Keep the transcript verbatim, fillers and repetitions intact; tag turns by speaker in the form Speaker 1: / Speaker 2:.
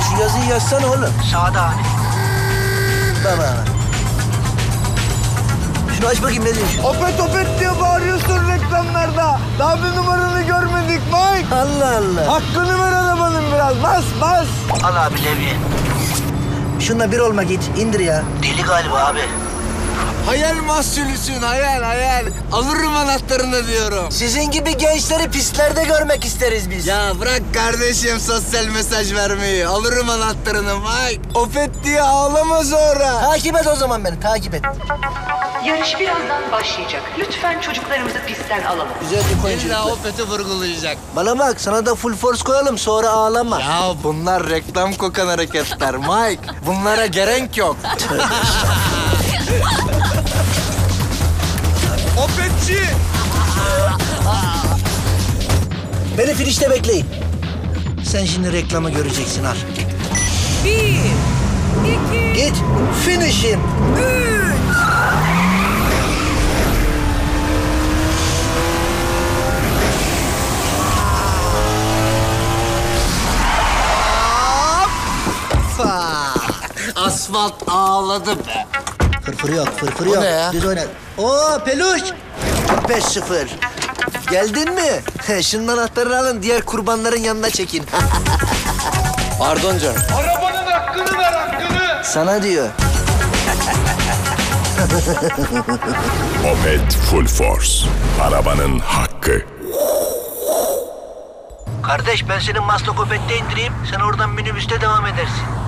Speaker 1: Şu yazıyı yazsana oğlum.
Speaker 2: Sağda abi.
Speaker 1: Baba. Şunu aç bakayım ne diyor?
Speaker 3: Opet opet diye bağırıyorsun reklamlarda. Daha bir numaranı görmedik Mike.
Speaker 1: Allah Allah.
Speaker 3: Hakkını ver arabanın biraz. Bas bas.
Speaker 2: Al abi levye.
Speaker 1: Şununla bir olma git. İndir ya.
Speaker 2: Deli galiba abi.
Speaker 3: Hayal mahsulüsün hayal hayal. Alırım anahtarını diyorum.
Speaker 1: Sizin gibi gençleri pistlerde görmek isteriz biz.
Speaker 3: Ya bırak kardeşim sosyal mesaj vermeyi. Alırım anahtarını Mike. Opet diye ağlama sonra.
Speaker 1: Takip et o zaman beni. Takip et.
Speaker 4: Yarış birazdan başlayacak. Lütfen çocuklarımızı pistten alalım.
Speaker 1: Güzel bir koyun
Speaker 3: İlla
Speaker 1: çocuklar.
Speaker 3: Opet'i vurgulayacak.
Speaker 1: Bana bak sana da full force koyalım sonra ağlama.
Speaker 3: Ya bunlar reklam kokan hareketler Mike. Bunlara gerek yok. Opetçi!
Speaker 1: Beni finişte bekleyin. Sen şimdi reklamı göreceksin al.
Speaker 5: Bir, iki,
Speaker 1: Git. Finish'im.
Speaker 5: üç.
Speaker 3: Asfalt ağladı be.
Speaker 1: Fırfır yok, fırfır
Speaker 3: O
Speaker 1: yok.
Speaker 3: ne ya?
Speaker 1: Düz oyna. Oo peluş. beş sıfır. Geldin mi? Şunun anahtarını alın, diğer kurbanların yanına çekin.
Speaker 3: Pardon canım.
Speaker 6: Arabanın hakkını ver hakkını.
Speaker 1: Sana diyor.
Speaker 7: Opet Full Force. Arabanın hakkı.
Speaker 2: Kardeş ben seni Maslakopet'te indireyim. Sen oradan minibüste devam edersin.